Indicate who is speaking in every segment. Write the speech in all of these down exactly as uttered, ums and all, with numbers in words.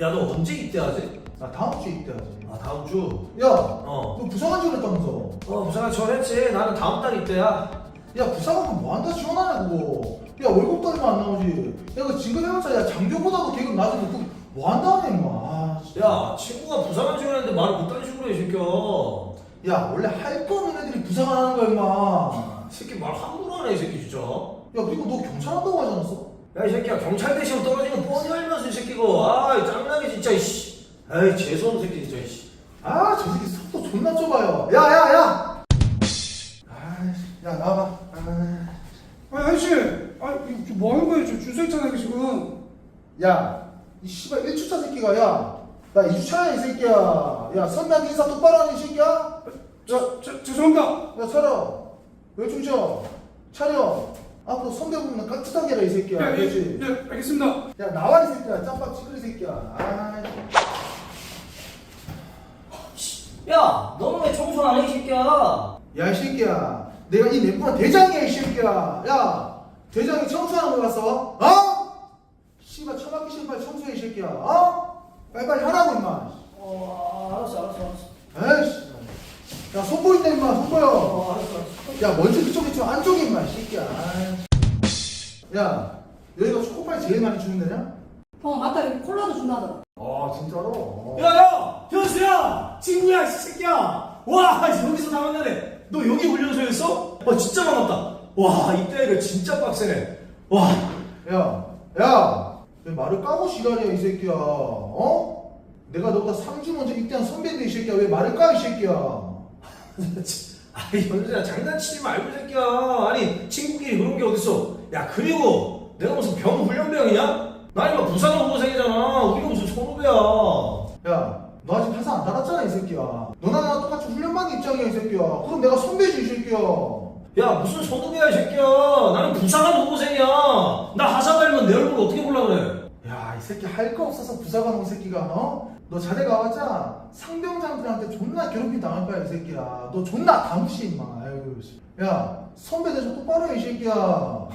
Speaker 1: 야, 너 언제 입대하지?
Speaker 2: 나 다음 주에 입대하지.
Speaker 1: 아, 다음 주?
Speaker 2: 야,
Speaker 1: 어.
Speaker 2: 너 부사관 지원했다면서?
Speaker 1: 어, 부산에 지원했지. 나는 다음 달 입대야.
Speaker 2: 야, 부사관은 뭐한다 지원하냐 그거. 야, 월급도 얼마 안 나오지. 야, 그 지금 해봤자 야 장교보다도 계급 낮은데 그 뭐한다 하냐 임마. 아, 진짜.
Speaker 1: 야, 친구가 부산에 지원했는데 말을 못하는 식으로 해, 이 새끼야.
Speaker 2: 야, 원래 할 거 없는 애들이 부사관 하는 거야 임마.
Speaker 1: 이 새끼 말 함부로 하네, 이 새끼 진짜.
Speaker 2: 야, 그리고 너 경찰 한다고 하지 않았어?
Speaker 1: 야, 이 새끼야, 경찰대 시험 떨어지는 거 뻔히 알면서 이 새끼고. 아이, 짱나게 진짜, 이씨. 에이, 재수없는 새끼 진짜, 이씨.
Speaker 2: 아, 저 새끼 속도 존나 좁아요. 야, 야, 야. 아이씨, 야, 나와봐. 아,
Speaker 3: 아니 아저씨, 아 이거 뭐 하는 거예요? 저 줄 서 있잖아요 지금.
Speaker 2: 야, 이 씨발 일 주차 새끼가 야, 나 이 주차야 이 새끼야. 야, 선배한테 인사 똑바로 하는 이 새끼야.
Speaker 3: 저, 저 죄송합니다.
Speaker 2: 야, 차려. 왜 중쳐? 차려. 앞으로 선배 보면 깍듯하게 해라 이 새끼야.
Speaker 3: 네,
Speaker 2: 알겠지?
Speaker 3: 네, 네, 알겠습니다.
Speaker 2: 야, 나와 이 새끼야. 짬밥 치그리 새끼야. 아이.
Speaker 1: 야, 너는 왜 청소 안 해, 이 새끼야?
Speaker 2: 야, 이 새끼야. 내가 이 내부한 대장이야 이 새끼야. 야, 대장이 청소하는 거 봤어? 어? 씨발 처박기 신발 청소해 이 새끼야. 어? 빨리빨리 하라고 임마.
Speaker 1: 어, 알았어, 알았어, 알았어.
Speaker 2: 에이씨. 야, 손 보인다 임마. 손 보여.
Speaker 1: 어, 알았어, 알았어.
Speaker 2: 야, 먼저 그쪽에 좀 안쪽에 임마 이 새끼야. 아이. 야, 여기가 초코파이 제일 많이 주는 데냐?
Speaker 4: 어 맞다 여기 콜라도 준다더라.
Speaker 2: 아, 진짜로?
Speaker 1: 야, 야! 현수야! 친구야, 이 새끼야! 와, 여기서 다 만나네. 너 여기 훈련소였어? 와, 진짜 반갑다. 와, 이때가 진짜 빡세네. 와.
Speaker 2: 야, 야, 왜 말을 까고 지랄이야 이 새끼야. 어? 내가 너보다 삼 주 먼저 입대한 선배인데 이 새끼야. 왜 말을 까 이 새끼야.
Speaker 1: 아이, 현수야, 장난치지 말고, 이 새끼야. 아니, 친구끼리 그런 게 어딨어. 야, 그리고 내가 무슨 병 훈련병이냐? 나 이거 부산 후보생이잖아. 우리가 무슨 선후배야.
Speaker 2: 야, 너 아직 회사 안 달았잖아 이 새끼야. 너나 나랑 똑같이 훈련받는 입장이야 이 새끼야. 그럼 내가 선배지 이 새끼야.
Speaker 1: 야, 무슨 선후배야, 이 새끼야. 나는 부사관 후보생이야. 나 하사 달면 내 얼굴 어떻게 보려 그래?
Speaker 2: 야, 이 새끼 할 거 없어서 부사관 온 새끼가 어? 너 자네 가봤자 상병장들한테 존나 괴롭힘 당할 거야 이 새끼야. 너 존나 다무시 임마. 아유, 씨. 야, 선배 대접 똑바로 해 이 새끼야.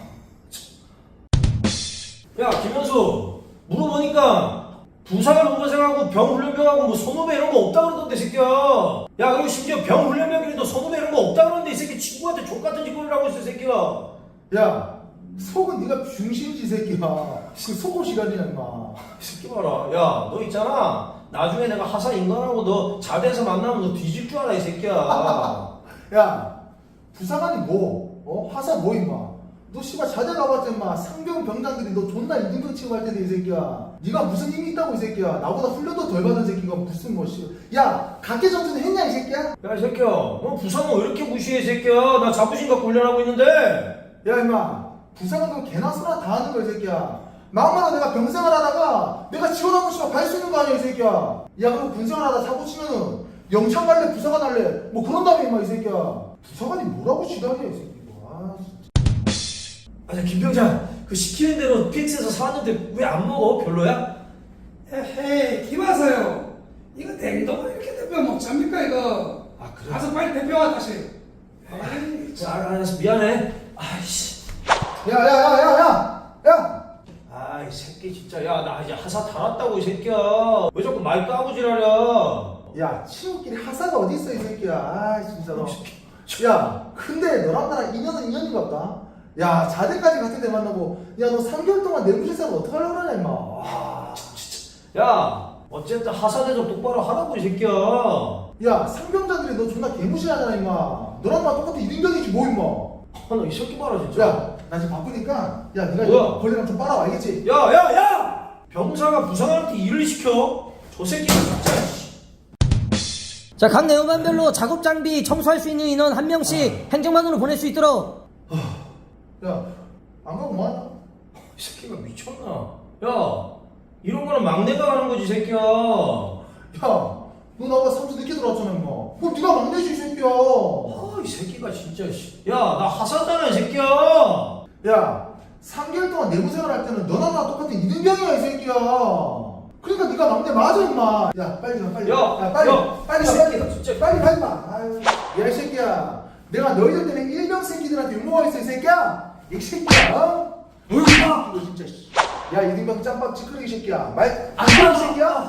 Speaker 1: 야, 김현수, 물어보니까 부사관 후보생하고 병훈련병하고 뭐 선후배 이런 거 없다 그러던데, 이 새끼야. 야, 그리고 심지어 병훈련병끼리도 선후배 이런 거 없다 그러는데 이 새끼 친구한테 족같은 짓거리를 하고 있어, 이 새끼야.
Speaker 2: 야, 속은 네가 중심이지 이 새끼야. 그 속옷 시간이야 임마.
Speaker 1: 이 새끼 봐라. 야, 너 있잖아. 나중에 내가 하사 인간하고 너 자대에서 만나면 너 뒤질 줄 알아, 이 새끼야.
Speaker 2: 야, 부사관이 뭐? 어? 하사 뭐 임마? 너 씨발 자대 가봤자 임마 상병 병장들이 너 존나 이등병 취급할 텐데 이 새끼야. 네가 무슨 힘이 있다고 이 새끼야. 나보다 훈련도 덜 받은 새끼가 무슨 뭐 씨. 야, 각계 전투는 했냐 이 새끼야?
Speaker 1: 야, 이 새끼야. 너 부사관 왜 이렇게 무시해, 이 새끼야. 나 자부심 갖고 훈련하고 있는데.
Speaker 2: 야 임마, 부사관 그 개나 소나 다 하는 거야 이 새끼야. 마음마다 내가 병생활 하다가 내가 지원하고 싶어 갈 수 있는 거 아니야 이 새끼야. 야, 그럼 군생활 하다 사고 치면은 영창 갈래 부사관 할래 뭐 그런 다음에 임마 이 새끼야. 부사관이 뭐라고 지랄이야 이 새끼. 아,
Speaker 1: 아니, 김병장. 그 시키는 대로 피엑스에서 사왔는데 왜 안 먹어? 별로야?
Speaker 3: 헤헤, 기마사요. 이거 냉동을 이렇게 대표 먹잡니까 이거?
Speaker 1: 아, 그래?
Speaker 3: 가서 빨리 대표와 다시. 아이,
Speaker 1: 자, 알았어. 미안해. 아이씨.
Speaker 2: 야야야야야 야.
Speaker 1: 아, 이 새끼 진짜. 야, 나 이제 하사 달았다고, 이 새끼야. 왜 자꾸 말 까고 지랄이야?
Speaker 2: 야, 친구끼리 하사가 어디 있어 이 새끼야. 아, 진짜로. 야, 근데 너랑 나랑 인연은 인연인가 보다. 야, 자대까지 같은 데 만나고, 야, 너 삼 개월 동안 내무실 생활 어떡하려고 그러냐 임마. 와.
Speaker 1: 야, 어쨌든 하사 대접 똑바로 하라고, 이 새끼야.
Speaker 2: 야, 상병자들이 너 존나 개무시하잖아 임마. 너랑 나랑 똑같은 이등병이지 뭐 임마.
Speaker 1: 아, 나 이 새끼 봐라, 진짜.
Speaker 2: 야, 나 지금 바쁘니까 야, 네가
Speaker 1: 뭐야?
Speaker 2: 이거 벌레랑 좀 빨아와 알겠지?
Speaker 1: 야, 야, 야! 병사가 부사관한테 일을 시켜? 저 새끼가 진짜.
Speaker 5: 자, 각 내용반별로 작업 장비 청소할 수 있는 인원 한 명씩 행정반으로 보낼 수 있도록.
Speaker 2: 야, 안 가고 뭐하냐?
Speaker 1: 이 새끼가 미쳤나? 야, 이런 거는 막내가 하는 거지, 이 새끼야.
Speaker 2: 야, 너 나보다 삼 주 늦게 들어왔잖아 임마. 그럼 네가 막내지 이 새끼야.
Speaker 1: 아, 이 새끼가 진짜. 씨. 야, 나 하사잖아, 이 새끼야.
Speaker 2: 야, 삼 개월 동안 내무생활 할 때는 너랑 나랑 똑같은 이등병이야 이 새끼야. 그러니까 네가 막내 맞아 임마. 야, 빨리 가 빨리.
Speaker 1: 야,
Speaker 2: 빨리.
Speaker 1: 야,
Speaker 2: 빨리
Speaker 1: 이
Speaker 2: 가
Speaker 1: 새끼가
Speaker 2: 빨리.
Speaker 1: 진짜.
Speaker 2: 빨리 가 임마. 아유, 야이 새끼야. 내가 너희들 때문에 일병 새끼들한테 욕먹어 있어 이 새끼야. 이 새끼야. 어? 어이구, 너 진짜. 야, 이등병 짬밥 찌끄레기 새끼야. 말 안 들어 이 새끼야.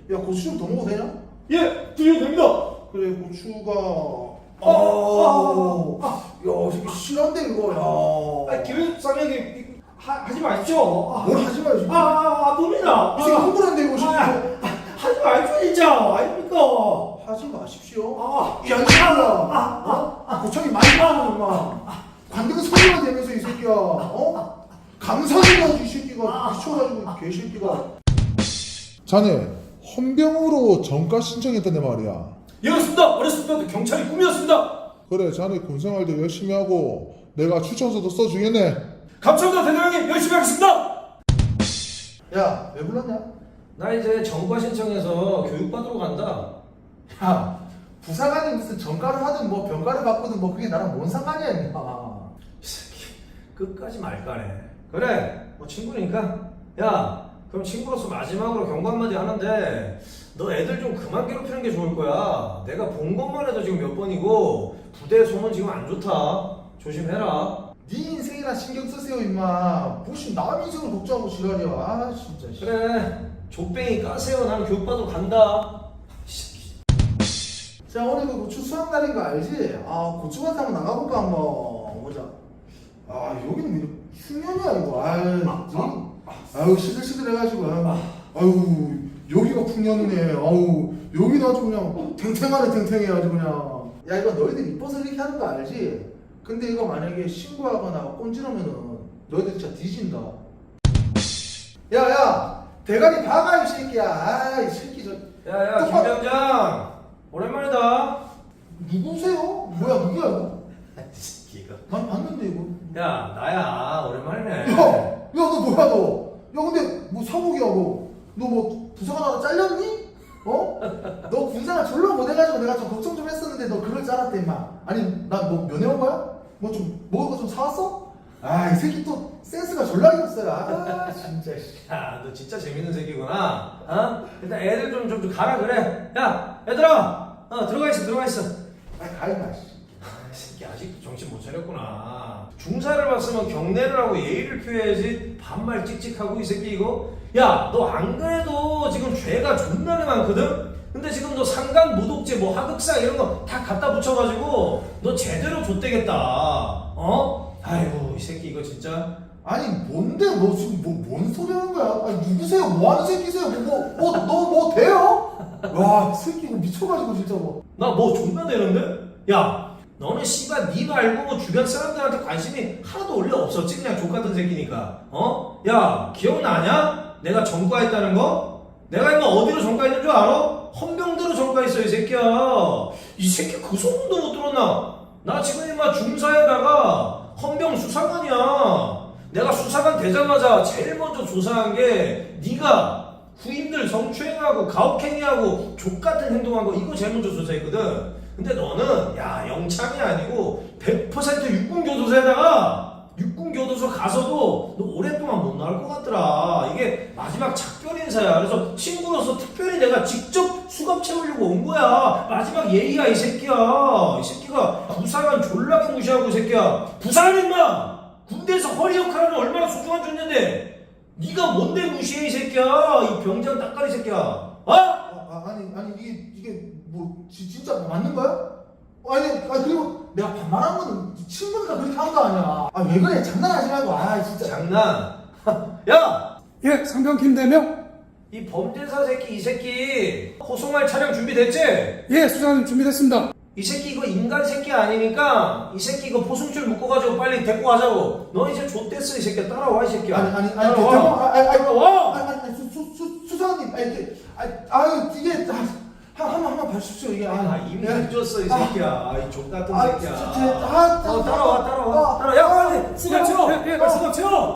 Speaker 2: 야 고추 좀 더 먹어도 되냐?
Speaker 1: 예, 드셔도 됩니다.
Speaker 2: 그래 고추가
Speaker 1: 아,
Speaker 2: 아,
Speaker 1: 아,
Speaker 2: 야 이게 실한데 이거
Speaker 1: 아,
Speaker 2: 야
Speaker 1: 김 사장님 하, 하지 마십시오. 아,
Speaker 2: 뭘 하지 마요
Speaker 1: 아, 아, 아, 돕니다.
Speaker 2: 이 새끼
Speaker 1: 아,
Speaker 2: 흥분한데 이거
Speaker 1: 아,
Speaker 2: 진짜
Speaker 1: 하지 마십시오 진짜. 아닙니까?
Speaker 2: 하지 마십시오
Speaker 1: 아,
Speaker 2: 야, 이 새끼야! 어? 고창이 많이 나와, 엄마. 관등 소리가 되면서 이 새끼야, 어? 감사해가지고 이 새끼가 미쳐가지고 개새끼가.
Speaker 6: 자네 헌병으로 정가 신청했다네 말이야.
Speaker 1: 예, 그렇습니다. 어렸을 때도 경찰이 꿈이었습니다.
Speaker 6: 그래, 자네 군생활도 열심히 하고 내가 추천서도 써주겠네.
Speaker 1: 감사합니다, 대장님. 열심히 하겠습니다.
Speaker 2: 야, 왜 불렀냐?
Speaker 1: 나 이제 정과 신청해서 교육받으러 간다.
Speaker 2: 야, 부사관이 무슨 정가를 하든 뭐 병가를 받거든 뭐 그게 나랑 뭔 상관이야, 임마.
Speaker 1: 이 새끼 끝까지 말까네. 그래, 뭐 친구니까. 야, 그럼 친구로서 마지막으로 경고 한마디 하는데 너 애들 좀 그만 괴롭히는 게 좋을 거야. 내가 본 것만 해도 지금 몇 번이고 부대 소문 지금 안 좋다. 조심해라.
Speaker 2: 네 인생이나 신경 쓰세요, 임마. 무슨 남 인생을 걱정하고 지랄이야. 아, 진짜. 씨.
Speaker 1: 그래, 족뱅이 까세요. 나는 교육받으러 간다. 이 새끼.
Speaker 2: 자, 오늘 그 고추 수확 날인 거 알지? 아, 고추밭 한번 나가볼까, 한번. 보자. 아, 여기는 왜 이렇게 흉년이야, 이거. 아유, 여기. 아유, 시들시들해가지고. 아유, 아유, 여기가 풍년이네. 아유, 여기는 아주 그냥 탱탱하네, 탱탱해. 아주 그냥. 야, 이거 너희들 이뻐서 이렇게 하는 거 알지? 근데 이거 만약에 신고하거나 꼰지르면은 너희들 진짜 뒤진다. 야, 야! 대가리 박아, 이 새끼야. 아, 이 새끼 저.
Speaker 1: 야야,
Speaker 2: 똑바-
Speaker 1: 김병장. 오랜만이다.
Speaker 2: 누구세요? 뭐야, 누구야, 이거?
Speaker 1: 이 새끼가.
Speaker 2: 난 봤는데, 이거.
Speaker 1: 야, 나야. 오랜만이네.
Speaker 2: 야, 야, 너 뭐야, 너? 야, 근데 뭐 사복이야, 너? 너 뭐 부사관 하나 잘렸니? 어? 너 군생활 졸라 못해가지고 내가 좀 걱정 좀 했었는데 너 그럴 줄 알았대, 임마. 아니, 나 뭐 면회 온 거야? 뭐 좀 먹을 거 좀 사왔어? 아, 이 새끼 또 센스가 졸라 있었어요. 아, 진짜. 씨.
Speaker 1: 야, 너 진짜 재밌는 새끼구나. 어? 일단 애들 좀, 좀, 좀 가라 그래. 야, 얘들아. 어, 들어가 있어, 들어가 있어.
Speaker 2: 아, 가임마, 씨.
Speaker 1: 이 새끼 아직도 정신 못 차렸구나. 중사를 봤으면 경례를 하고 예의를 표해야지. 반말 찍찍하고 이 새끼 이거. 야, 너 안 그래도 지금 죄가 존나게 많거든? 근데 지금 너 상간 모독죄 뭐 하극사 이런 거 다 갖다 붙여가지고 너 제대로 좆되겠다. 어? 아이고 이 새끼 이거 진짜.
Speaker 2: 아니, 뭔데? 너 지금 뭐, 뭔 소리 하는 거야? 아니, 누구세요? 뭐 하는 새끼세요? 뭐, 뭐, 뭐, 너 뭐 돼요? 와, 이 새끼 이거 미쳐가지고 진짜 뭐.
Speaker 1: 나 뭐 존나 되는데? 야, 너는 씨발 니 말고 뭐 주변 사람들한테 관심이 하나도 원래 없었지 그냥 족같은 새끼니까. 어? 야, 기억나냐? 내가 전과했다는 거? 내가 임마 어디로 전과했는 줄 알아? 헌병대로 전과했어 이 새끼야. 이 새끼 그 소문도 못 들었나? 나 지금 임마 중사에다가 헌병 수사관이야. 내가 수사관 되자마자 제일 먼저 조사한 게 네가 후임들 성추행하고 가혹행위하고 족같은 행동한 거 이거 제일 먼저 조사했거든. 근데 너는 야 영창이 아니고 백 퍼센트 육군교도소에다가 육군교도소 가서도 너 오랫동안 못 나올 것 같더라. 이게 마지막 작별 인사야. 그래서 친구로서 특별히 내가 직접 수갑 채우려고 온 거야. 마지막 예의야 이 새끼야. 이 새끼가 부사관 졸라게 무시하고 이 새끼야. 부사관 임마! 군대에서 허리 역할하는 얼마나 소중한 존재인데 네가 뭔데 무시해 이 새끼야. 이 병장 따까리 새끼야. 어?
Speaker 2: 아, 아, 아니, 아니, 이게, 이게 뭐, 지, 진짜 맞는 거야? 아니, 아, 그리고 내가 반말한 거는 친구니까 그렇게 한 거 아니야. 아, 왜 그래? 장난하지 말고. 아, 진짜.
Speaker 1: 장난. 야!
Speaker 3: 예, 상병 김대명.
Speaker 1: 이 범죄사 새끼 이 새끼 호송할 차량 준비됐지?
Speaker 3: 예, 수사님 준비됐습니다.
Speaker 1: 이 새끼 이거 인간 새끼 아니니까 이 새끼 이거 포승줄 묶어가지고 빨리 데리고 가자고. 너 이제 좆됐어 이 새끼야. 따라와 이 새끼야.
Speaker 2: 아니, 아니, 아니,
Speaker 1: 따라와.
Speaker 2: 대장, 아, 아니, 아니,
Speaker 1: 따라와.
Speaker 2: 아니, 아니, 수, 수, 수, 수사관님, 아니, 이게, 아니, 아유, 이게, 아, 한, 한, 한번 봐주십시오, 이게.
Speaker 1: 아 이미
Speaker 2: 예.
Speaker 1: 늦었어 이 새끼야. 이 족같은
Speaker 2: 아,
Speaker 1: 새끼야.
Speaker 2: 진짜, 제- 아,
Speaker 1: 어, 따라와 따라와.
Speaker 2: 아,
Speaker 1: 따라와. 야 빨리 수갑 채워.
Speaker 3: 예, 예,
Speaker 1: 빨리 수갑 채워.